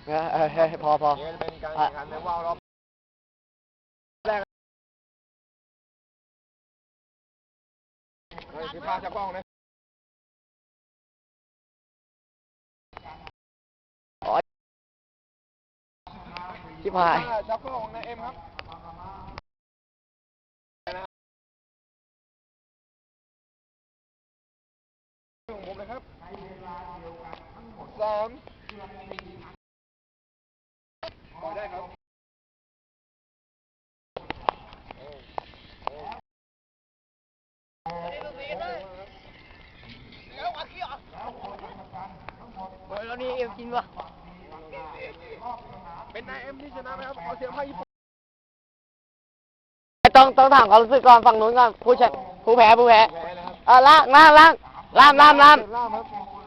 พอนี่จะเป็นการแข่งขันในว่าวรอบแรกคือพาจากกล้องนะชิบหายจากกล้องนะเอ็มครับของผมนะครับ3ปล่อยได้ครับแล้วนี่เอ็มจริงวะเป็นนายเอ็มที่ชนะนะครับขอเสียงให้ญี่ปุ่นต้องถามความรู้สึกก่อนฝั่งนู้นก่อนผู้แพ้นะครับล่างล่ามครับ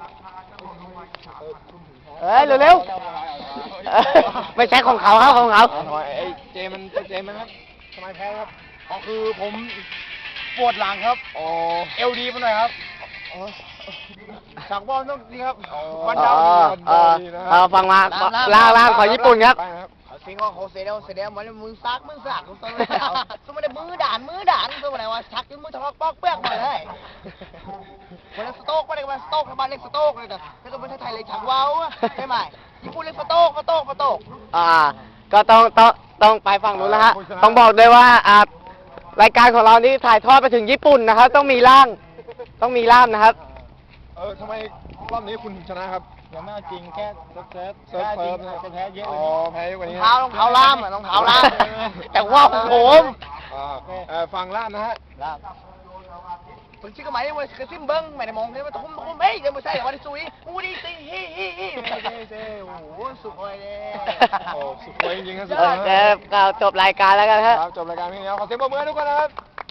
เฮ้ยเร็วๆไม่ใช่ของเขาครับของเขาไอ้เจมันครับทำไมแพ้ครับก็คือผมปวดหลังครับเอลดีมาหน่อยครับฉากบอลต้องดีครับวันดาวดีนะครับฟังมาล่างของญี่ปุ่นครับสิงห์เขาเสียเดียวมันมือซักตัวเลยสมัยมือด่านตัวไหนวะชักจนมือทะเลาะปอกเปี้ยกมาเลยวันนั้นสโต๊กมาเลยวันสโต๊กทำบ้านเล็กสโต๊กเลยแต่ถ้าเกิดประเทศไทยเลยชักว้าวใช่ไหมญี่ปุ่นเล็กสโต๊กก็ต้องไปฝั่งนู้นแล้วฮะต้องบอกด้วยว่ารายการของเรานี่ถ่ายทอดไปถึงญี่ปุ่นนะครับต้องมีล่ามนะครับทำไมรอบนี้คุณชนะครับยังไม่จริงแค่เซิร์ฟจะแพ้เยอะแพ้เยอะกว่านี้รองเท้าล่ามแต่ว่าผมฟังล่ามนะฮะผมชื่อก็หมายว่าคือซิมเบิ้งไม่ได้มองเลยว่าทุ่มเฮ้ยยังไม่ใช่วันที่ซุยอูดีซีฮีโอ้โหสุดเลยสุดเลยจริงๆครับก็จบรายการแล้วกันครับจบรายการพี่แล้วขอเสียงปรบมือให้ทุกคนนะครับ